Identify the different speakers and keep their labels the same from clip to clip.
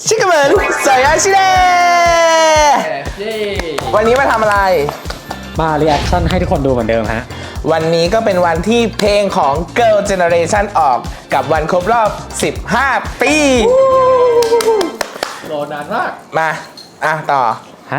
Speaker 1: ชิคกี้พายสวยอาชิเดวันนี้มาทำอะไร
Speaker 2: มารีแอคชั่นให้ทุกคนดูเหมือนเดิมฮะ
Speaker 1: วันนี้ก็เป็นวันที่เพลงของ Girl Generation ออกกับวันครบรอบ15 ปี
Speaker 3: รอนานมาก
Speaker 1: มาต่อ
Speaker 2: ฮะ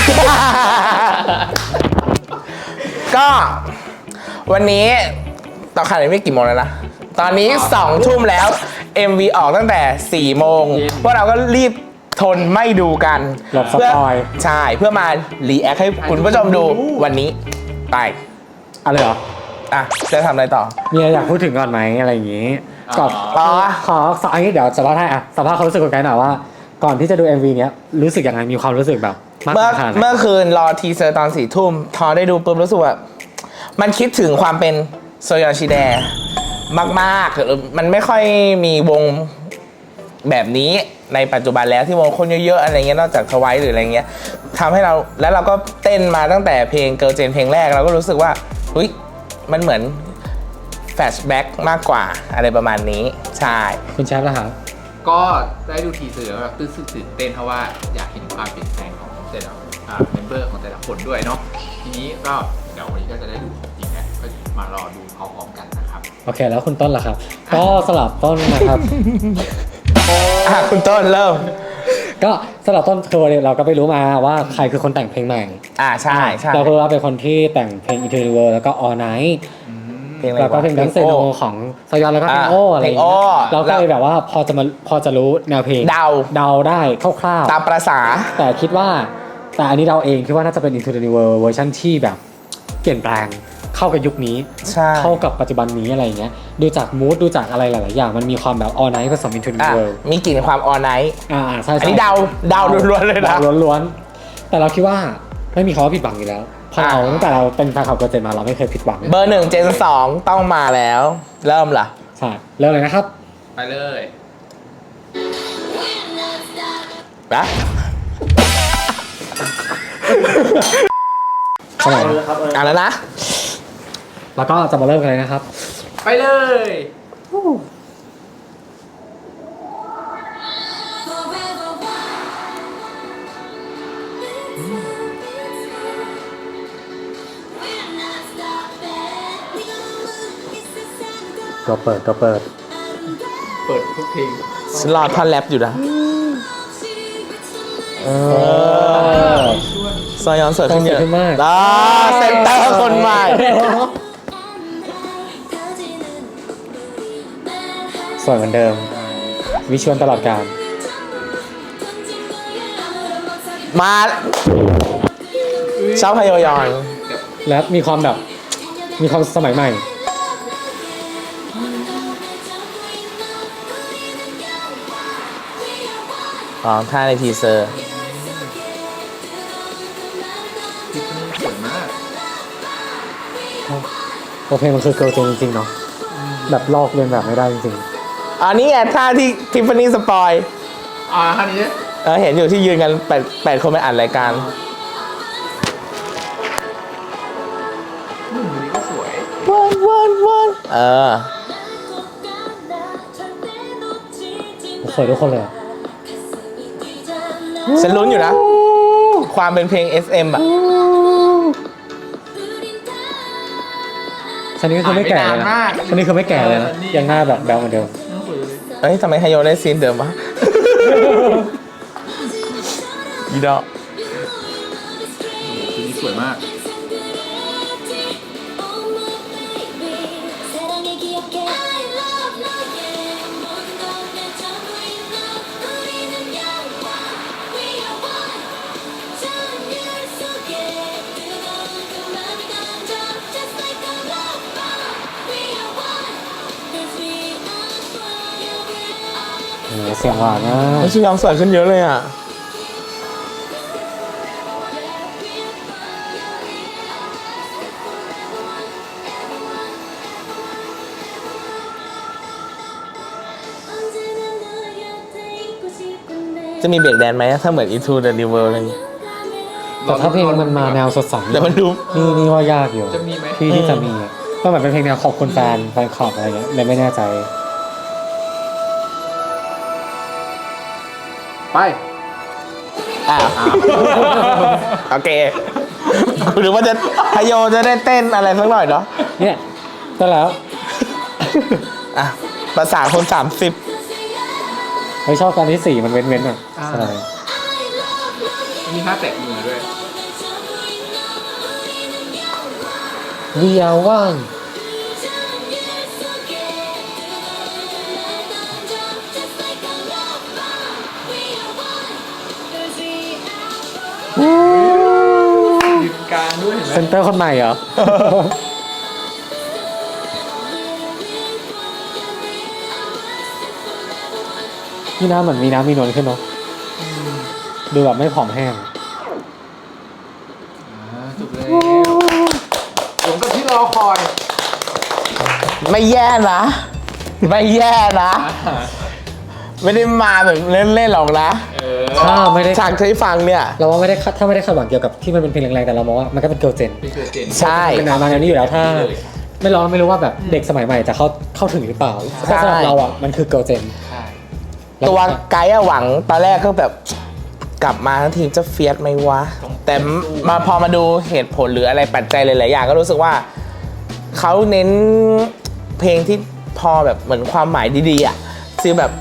Speaker 1: ก็วันนี้ต่อขนาดนี้กี่โมงแล้วนะตอนนี้2 ทุ่มแล้ว MV ออกตั้งแต่4 โมงพวกเราก็รีบทนไม่ดูกัน
Speaker 2: เพื่อ
Speaker 1: ใช่เพื่อมารีแอคให้คุณผู้ชมดูวันนี้ไป
Speaker 2: อะไรเหรอ
Speaker 1: จะทำอะไรต่อ
Speaker 2: มีอะไรอยากพูดถึงก่อนไหมอะไรอย่างงี้ก่อนขออันนี้เดี๋ยวสัมภาษณ์ให้สัมภาษณ์เขารู้สึกกันไกลหน่อยว่าก่อนที่จะดู MV เนี้ยรู้สึกยังไงมีความรู้สึกแบบ
Speaker 1: เมื่อคืนรอทีเซอร์ตอน4 ทุ่มพอได้ดูปุ๊บรู้สึกว่ามันคิดถึงความเป็นโซยอนชิเดะมากๆมันไม่ค่อยมีวงแบบนี้ในปัจจุบันแล้วที่วงคนเยอะๆอะไรเงี้ยนอกจากทวายหรืออะไรเงี้ยทำให้เราแล้วเราก็เต้นมาตั้งแต่เพลงเกิร์ลเจนเพลงแรกเราก็รู้สึกว่าเฮ้ยมันเหมือนแฟลชแบ็กมากกว่าอะไรประมาณนี้ใช่
Speaker 2: คุณแชมป์ล่ะครับ
Speaker 3: ก็ได้ดูทีเซอร์แบบตื่นเต้นเพราะว่าอยากเห็นความเปลี่ยนแปลงของแต่ละเมมเบอร์ของแต่ละคนด้วยเนาะทีนี้ก็เดี๋ยววันนี้ก็จะได้ดูของจริงแล้วก็มารอดูพร้อมๆกันนะครับ
Speaker 2: โอเคแล้วคุณต้นล่ะครับก็สลับต้นนะครับ
Speaker 1: คุณต้นเริ่ม
Speaker 2: ก็สำหรับต้นคือเราก็ไปรู้มาว่าใครคือคนแต่งเพลงใหม่
Speaker 1: ใช่
Speaker 2: เราคือว่าเป็นคนที่แต่งเพลง Eternal World แล้วก็ All Night แล้วก็เพลงดังเซโนของซอยอนแล้วก็เพลงโออะไรอย่างเงี้ยเราก็เลยแบบว่าพอจะรู้แนวเพลงเดาได้คร่าว
Speaker 1: ๆตามประสา
Speaker 2: แต่คิดว่าแต่อันนี้เราเองคิดว่าน่าจะเป็น Eternal World เวอร์ชันที่แบบเปลี่ยนแปลงเข้ากับยุคนี้เข้ากับปัจจุบันนี้อะไรอย่างเงี้ยดูจากมูดดูจากอะไรหลายๆอย่างมันมีความแบบ All Night ผสม Eternal World
Speaker 1: มีกลิ่นความ All Night
Speaker 2: ใช่
Speaker 1: อันนี้เดาล้วนๆเลยนะ
Speaker 2: ล้วนๆแต่เราคิดว่าไม่มีคำว่าผิดหวังอยู่แล้วพอเราตั้งแต่เราเป็นแฟนคลับเกิร์ลเจนมาเราไม่เคยผิดหวัง
Speaker 1: เบอร์1 เจน 2ต้องมาแล้วเริ่มล่ะ
Speaker 2: ใช่เริ่มเลยนะครับ
Speaker 3: ไปเลย
Speaker 1: นะ
Speaker 2: เข้ามา
Speaker 1: แล้วนะ
Speaker 2: แล้วก็จะมาเริ่มกันเลยนะครับ
Speaker 3: ไปเลย
Speaker 2: ตัวเปิด
Speaker 3: ทุกเพลง
Speaker 1: รอท่อนแรปอยู่นะซอยอนเสิร์ฟขึ้นเยอะ
Speaker 2: มาก
Speaker 1: เซนเตอร์คนใหม่
Speaker 2: สวยเหมือนเดิมวิชวลตลอดกาล
Speaker 1: มาชอบฮยอยอน
Speaker 2: และมีความแบบมีความสมัยใหม่
Speaker 1: ท่าในทีเซอร์
Speaker 3: สวยมาก
Speaker 2: เพลงมันคือเกิร์ลเจนจริงๆเนาะแบบลอกเลียนแบบไม่ได้จริง
Speaker 1: อันนี้ไงท่าที่ทิฟฟานี่สปอย
Speaker 3: ท่านี้
Speaker 1: เห็นอยู่ที่ยืนกัน8 คนไปอ่านรายการ
Speaker 3: นี่ก็สวย
Speaker 1: วัน
Speaker 2: สวยทุกคนเลย
Speaker 1: ฉันลุ้นอยู่นะความเป็นเพลง SM อ่ะ
Speaker 2: ชันนี้คือไม่แก่เลยนะชันนี้คือไม่แก่เลยนะยังหน้าแบบแบลเหมือนเดิม
Speaker 1: ทำไมไฮโยได้ซีนเดิมวะอีดอก
Speaker 3: นี่สวยมาก
Speaker 2: เสียงหวานนะ
Speaker 1: ชิยองสวยขึ้นเยอะเลยอ่ะจะมีเบรกแดนไหมถ้าเหมือน Into the New World อะไรอย่างเงี้ย
Speaker 2: แต่ถ้าเพลงมันมาแนวสดใส
Speaker 1: แต่มันดู
Speaker 2: นี่ว่ายากอยู่
Speaker 3: จะมีไหม
Speaker 2: ที่จะมีก็เหมือนเป็นเพลงแนวขอบคุณแฟนคลับอะไรเงี้ยเลยไม่แน่ใจ
Speaker 3: ไป
Speaker 1: อ้าวโอเคหรือว่าจะพโยจะได้เต้นอะไรสักหน่อยเนาะ
Speaker 2: เนี่ยก็แล้ว
Speaker 1: อ่ะประสานคน 30
Speaker 2: ไม่ชอบตอนที่ 4มันเว้นๆอ่ะใช่
Speaker 3: มีท่าแตะมือด้วย
Speaker 2: We are one
Speaker 3: ยืนกลางด้วยเห็นไหม
Speaker 2: เซนเตอร์คนใหม่เหรอ นี่น้ำเหมือนมีน้ำมีนวลขึ้นเนาะดูแบบไม่ผอมแห้ง
Speaker 3: จบแล้วสมกับที่รอคอย
Speaker 1: ไม่แย่นะ ไม่แย่นะ ไม่ได้มาแบบเล่นๆหรอกนะ
Speaker 2: ถ้าไม่ได้
Speaker 1: ฉากที่ฟังเนี่ย
Speaker 2: เราว่าไม่ได้ถ้าไม่ได้คาดหวังเกี่ยวกับที่มันเป็นเพลงแรงๆแต่เรามองว่ามันก็เป็นเกิร์ลเจน
Speaker 3: นี่คือเจน
Speaker 1: ใช่
Speaker 2: เป็นมาแนวนี้อยู่แล้วถ้าไม่ร้องไม่รู้ว่าแบบเด็กสมัยใหม่จะเข้าถึงหรือเปล่า
Speaker 1: ใช่
Speaker 2: แต่สำหรับเราอ่ะมันคือเกิร์ลเจน
Speaker 3: ใช่
Speaker 1: ตัวไกด์อะหวังตอนแรกก็แบบกลับมาทั้งทีมจะเฟียสไหมวะ แต่มาพอมาดูเหตุผลหรืออะไรปัจจัยหลายๆอย่างก็รู้สึกว่าเขาเน้นเพลงที่พอแบบเหมือนความหมายดีๆอ่ะคือแบบ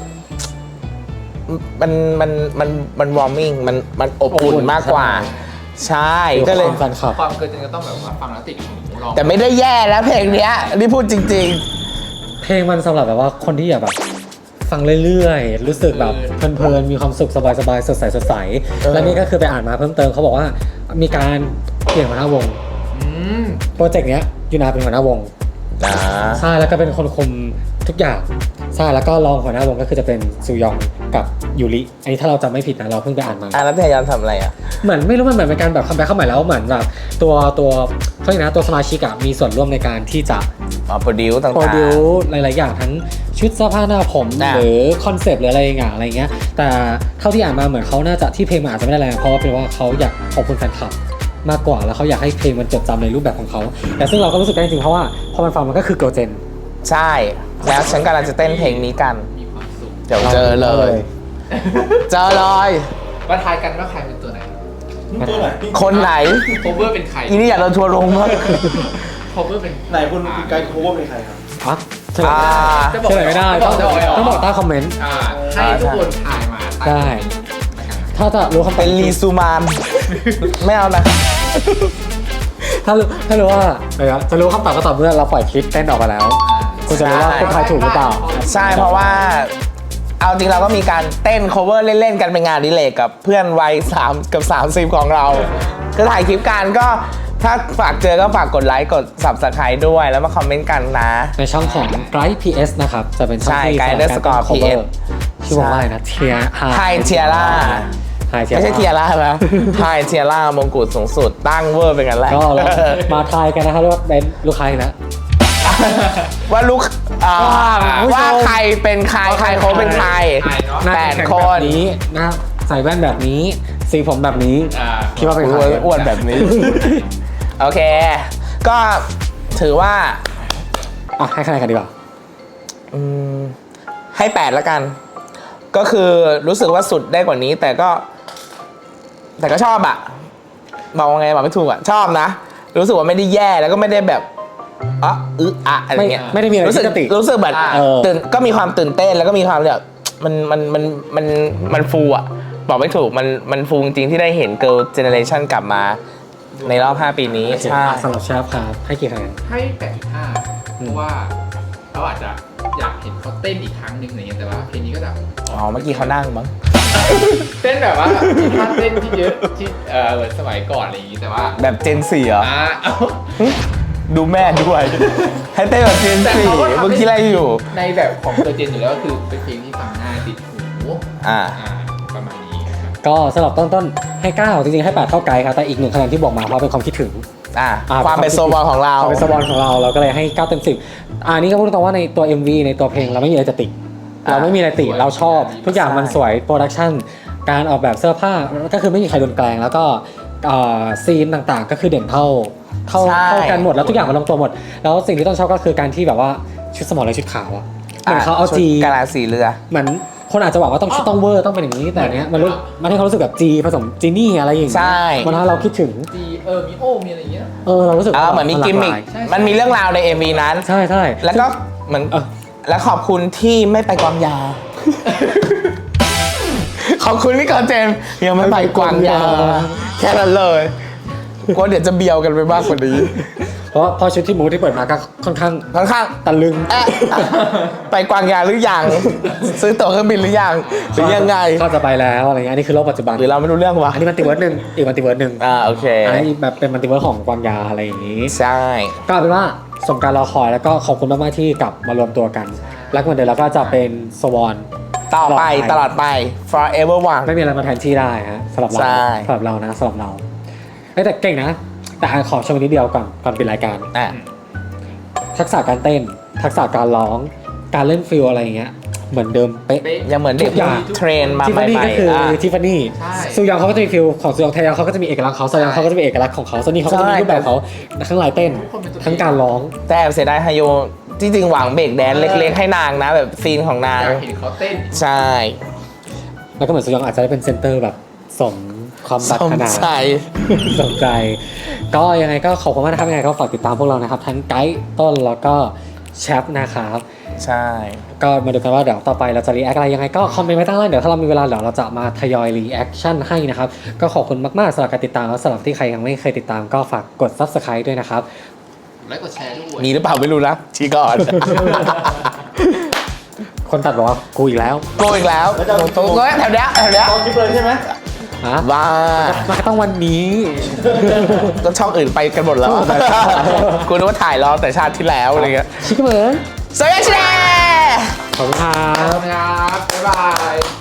Speaker 1: มันวอร์มมิ่งมันอบอุ่นมากกว่า ใช่ก็เลย
Speaker 2: แฟนคลับ
Speaker 3: ความเกินจริงก็ต้องแบบว่าฟังแล้วติดหูลอง
Speaker 1: แต่ไม่ได้แย่แล้วเพลงเนี้ยนี่พูดจริง
Speaker 2: เพลงมันสำหรับแบบว่าคนที่อยากแบบฟังเรื่อยๆ รู้สึกแบบเพลินๆ มีความสุขสบายๆ สดใสสดใส และนี่ก็คือไปอ่านมาเพิ่มเติมเขาบอกว่ามีการเปลี่ยนหัวหน้าวง
Speaker 3: อืม
Speaker 2: โปรเจกต์เนี้ยยูนาเป็นหัวหน้าวง
Speaker 1: ๆนะ
Speaker 2: ใช่แล้วก็เป็นคนคุมทุกอย่างใช่แล้วก็รองหัวหน้าวงก็คือจะเป็นซูยองกับยูริอันนี้ถ้าเราจำไม่ผิดนะเราเพิ่งไปอ่านมา
Speaker 1: แล้วพยายามทำอะไรอ่ะ
Speaker 2: เหมือนไม่รู้มันเหมือนเป็นการแบบคัมแบ็คเข้าใหม่แล้วเหมือนแบบตัวเขาเรียกนะตัวสมาชิกอะมีส่วนร่วมในการที่จะ
Speaker 1: โปรดิวต่าง
Speaker 2: โปรดิวหลาย ๆ อย่างทั้งชุดเสื้อผ้าหน้าผม
Speaker 1: อ่ะ
Speaker 2: หรือคอนเซปต์หรืออะไรอย่างเงี้ยแต่เท่าที่อ่านมาเหมือนเขาน่าจะที่เพลงมันอาจจะไม่ได้แรงเพราะว่าเป็นว่าเขาอยากขอบคุณแฟนคลับมากกว่าแล้วเขาอยากให้เพลงมันจดจำในรูปแบบของเขาแต่ซึ่งเราก็รู้สึกได้จริงๆเพราะว่าพอมันฟังมันก็คือเกิร์ลเจน
Speaker 1: ๆใช่ แล้วฉันกำลังจะเต้นเพลงนี้กัน
Speaker 3: มีความสุข
Speaker 1: เดี๋ยวเจอเลย เจอเลย
Speaker 3: มาทายกันว่าใครเป็นตัวไหน
Speaker 4: ตัวไหน
Speaker 1: คนไหน
Speaker 3: โคเวอร์เป็นใคร
Speaker 1: อีนี่อยากโดนทัวร์ลงมาก
Speaker 3: โคเวอร์เป็น
Speaker 4: ไหนคุณไกด์โคเวอร์เป็นใครครับ
Speaker 2: อ่ะเฉลย
Speaker 3: จะบอก
Speaker 2: เฉลยไม่ได้ต้องบอกใต้คอมเมนต์
Speaker 3: ให้ทุกคนถ่ายมา
Speaker 2: ได้ ถ้าจะรู้คำตอบ
Speaker 1: เป็นลีซูมาน ไม่เอานะ
Speaker 2: ถ้ารู้ว่าจะรู้คำตอบก็ต่อเมื่อเราปล่อยคลิปเต้นออกมาแล้วคุณจะรู้ว่าคุณทายถูกหรือเปล่า
Speaker 1: ใช่เพราะว่า เอาจริงเราก็มีการเต้น cover เล่น ๆ กันเป็นงานอดิเรกกับเพื่อนวัย3กับ30ของเรา ก็ถ่ายคลิปกันก็ถ้าฝากเจอก็ฝากกดไลค์กด subscribe ด้วยแล้วมาคอมเมนต์กันนะ
Speaker 2: ในช่องของ Bright PS นะครับ จะเป็นช่อง
Speaker 1: ใช่
Speaker 2: ที่
Speaker 1: Guide
Speaker 2: สำหรับการ
Speaker 1: underscore
Speaker 2: ทำ cover
Speaker 1: PS
Speaker 2: ชื่อว่าอะไรนะเทีย
Speaker 1: ไฮเทียร่า
Speaker 2: ไฮเทีย
Speaker 1: ไม่ใช่เทียร่านะไฮเทียร่ามงกุฎสูงสุดตั้งเวอร์เป็นกันแหละ
Speaker 2: ก็เรามาทายกันนะครับว่าเป็นลูกค้าอีกนะ
Speaker 1: ว่าลูก
Speaker 2: ผู้ชม
Speaker 1: ว่าใครเป็นใครใครเขาเป็นใคร
Speaker 2: หน้า
Speaker 1: แปด
Speaker 2: แข็ง
Speaker 1: ค
Speaker 2: แบบ
Speaker 1: น
Speaker 2: นี้หน้าใส่แว่นแบบนี้ สีผมแบบนี้ คิดว่าเป็นใคร
Speaker 1: อ้วนแบบนี้ โอเค ก็ถือว่า
Speaker 2: อ่ะให้คะแนนกันดีกว่า
Speaker 1: ให้8แล้วกัน ก็คือรู้สึกว่าสุดได้กว่านี้ แต่ก็ชอบอะบอกว่าไงบอกไม่ถูกอะชอบนะ รู้สึกว่าไม่ได้แย่แล้วก็ไม่ได้แบบอะไรเงี้ย
Speaker 2: ไม่ได้มีอะไร
Speaker 1: รู้สึก
Speaker 2: ที่จะติ
Speaker 1: รู้สึกแบบ ตื่นก็มีความตื่นเต้นแล้วก็มีความแบบมันฟูอะบอกไม่ถูกมันฟูจริงๆที่ได้เห็น Girl Generation กลับมาในรอบ5 ปีนี้ใช่
Speaker 2: สำหรับเชฟครับให้กี่คะแนน
Speaker 3: ให้ 8.5 เพราะว่าเราอาจจะอยากเห็นเขาเต้นอีกครั้งหนึ่งอะไรเงี้ยแต่ว่าเพลงนี้ก็แบบ
Speaker 1: อ๋อเมื่อกี้เขานั่งมั้ง
Speaker 3: เต้นแบบว่ามีท่าเต้นที่เยอะที่เหมือนสมัยก่อนอะไรอย่างงี้แต่ว่า
Speaker 1: แบบเจน4เหรอ
Speaker 3: เอา
Speaker 1: ดูแม่ด้วย ให้เต้นแบบเจน
Speaker 3: แต่เขาก็
Speaker 1: 4
Speaker 3: ทำ
Speaker 1: เมื่อกี้อะไรอยู่
Speaker 3: ในแบบของตัวเจนอยู่แล้วก็คือเป็นเพลงที่ฟังง่ายติดหู ประมาณนี้ครับ
Speaker 2: ก็สำหรับต้นให้ 9 จริงๆให้ 8 เท่าไกด์ครับแต่อีก1คะแนนที่บอกมาเพราะเป็นความคิดถึง
Speaker 1: ความเป็นโซบอลของเรา
Speaker 2: ความเป็นสปอนของเราก็เลยให้ 9 เต็ม 10นี่ก็พูดตรงว่าในตัว MV ในตัวเพลงเราไม่มีอะไรจะติเราไม่มีอะไรติเราชอบ ทุกอย่างมันสวยโปรดักชั่นการออกแบบเสื้อผ้าก็คือไม่มีใครโดนแกล้งแล้วก็ซีนต่างๆก็คือเด่นเท่ากันหมดแล้วทุกอย่างมันลงตัวหมดแล้วสิ่งที่ต้องชอบก็คือการที่แบบว่าชุดสมอลและชุดขาวอะเหมือนเขาเอาจี
Speaker 1: กาลาสีเรือ
Speaker 2: เหมือนคนอาจจะบอกว่าต้องชุดต้องเวอร์ต้องเป็นอย่างนี้แต่อันเนี้ยมันให้เขารู้สึกแบบจีผสมจีนี่อะไรอย่างเงี้ย
Speaker 1: ใช่
Speaker 2: มันทำให้เราคิดถึง
Speaker 3: มีมีโอมีอะไรอย่างเงี้ย
Speaker 2: เรารู้สึก
Speaker 1: เหมือนมีกิมมิค
Speaker 3: ใช่
Speaker 1: มันมีเรื่องราวใน MV นั้น
Speaker 2: ใช่ใช่
Speaker 1: แล้วก็เหมือนแล้วขอบคุณที่ไม่ไปกวางยา ขอบคุณพี่กอเจมส์ยังไม่ไปกวางยา แค่นั้นเลยกลัวเดี๋ยวจะเบียวกันไปมากกว่านี้
Speaker 2: เพราะพอชุดที่มูที่เปิดมาก็ค่อนข้าง
Speaker 1: ค่อนข้าง
Speaker 2: ตะลึง
Speaker 1: ไปกวางยาหรือยัง ซื้อตั๋วเครื่องบินหรือยังหรือยังไง
Speaker 2: ก็จะไปแล้วอะไรเงี้ยอันนี้คือโลกปัจจุบัน
Speaker 1: หรือเราไม่รู้เรื่องวะ
Speaker 2: อันนี้มัลติเวิร์สหนึ่งอีกมัลติเวิร์สหนึ่ง
Speaker 1: โอเค
Speaker 2: อันนี้แบบเป็นมัลติเวิร์สของกวางยาอะไรอย่างนี้
Speaker 1: ใช่
Speaker 2: ก็เป็นว่าสมการรอคอยแล้วก็ขอบคุณมากๆที่กลับมารวมตัวกัน แล้ววันเดียวเราก็จะเป็นสวอน
Speaker 1: ต่อไปตลอดไป forever one
Speaker 2: ไม่มีอะไรมาแทนที่ได้ฮะสำหรับเรา
Speaker 1: ใช่
Speaker 2: สำหรับเรานะสำหรับเราแต่เก่งนะ แต่ขอชมนิดเดียวก่อนปิดรายการ
Speaker 1: อ่ะ
Speaker 2: ทักษะการเต้น ทักษะการร้อง การเล่นฟิลอะไรอย่างเงี้ยเหมือนเดิมเป๊ะ
Speaker 1: ยังเหมือนเด็ก
Speaker 2: ทุกอย่าง
Speaker 1: เทรนมา
Speaker 2: ทิฟ
Speaker 1: ให
Speaker 2: ฟานี่
Speaker 1: ม่
Speaker 2: ก็คือ
Speaker 1: ๆ
Speaker 2: ทิฟฟานี่
Speaker 3: ใช่
Speaker 2: ซูยองเขาก็จะมีฟิลของซูยองไทยองเขาก็จะมีเอกลักษณ์เขาซอยองเขาก็จะมีเอกลักษณ์ของเขาโซนี่เขาก็จะมี
Speaker 1: ใช่
Speaker 2: รูปแบบเขาทั้งลายเต้น
Speaker 3: ทุกคนเป็นตัวเอง
Speaker 2: ทั้งการร้อง
Speaker 1: แต่เสียดายฮายโยจริงๆหวังเบรกแดนเล็กๆให้นางนะ แบบซีนของนาง
Speaker 3: อยากเห็นเขาเต้น
Speaker 1: ใช่
Speaker 2: แล้วก็เหมือนซูยองอาจจะได้เป็นเซนเตอร์แบบสมความปราร
Speaker 1: สม
Speaker 2: ถนา
Speaker 1: ใจ
Speaker 2: สนใจ ก็ยังไงก็ขอบคุณมากนะครับยังไงก็ฝากติดตามพวกเรานะครับ ทั้งไกด์ต้นแล้วก็แชปนะครับ
Speaker 1: ใช่
Speaker 2: ก็มาดูกันว่าเดี๋ยวต่อไปเราจะรีแอคอะไรยังไงก็คอมเมนต์ไว้ใต้ล่างเดี๋ยวถ้าเรามีเวลาเดี๋ยวเราจะมาทยอยรีแอคชั่นให้นะครับ ก็ขอบคุณมากๆสำหรับการติดตามแล้วสำหรับที่ใครยังไม่เคยติดตามก็ฝากกด Subscribe ด้วยนะครับ
Speaker 3: และกดแชร์ด้วย
Speaker 1: มีหรือเปล่าไม่รู้นะชี้ก่อน
Speaker 2: คนตัดบอกว่ากูอีกแล้ว
Speaker 1: โกอีกแล้วตรงแถวเนี้ย
Speaker 4: ตอนคลิปเลยใช่ไหม
Speaker 2: ฮะ
Speaker 1: ว้า
Speaker 2: มันก็ต้องวันนี้
Speaker 1: ก็ช่องอื่นไปกันหมดแล้ว กูนึกว่าถ่ายรอแต่ชาติที่แล้วอะไรเงี้ย
Speaker 2: ชิคกี้พาย
Speaker 1: สวัสดีค่ะ
Speaker 2: ขอบคุณครับ
Speaker 3: ครับ บ๊ายบาย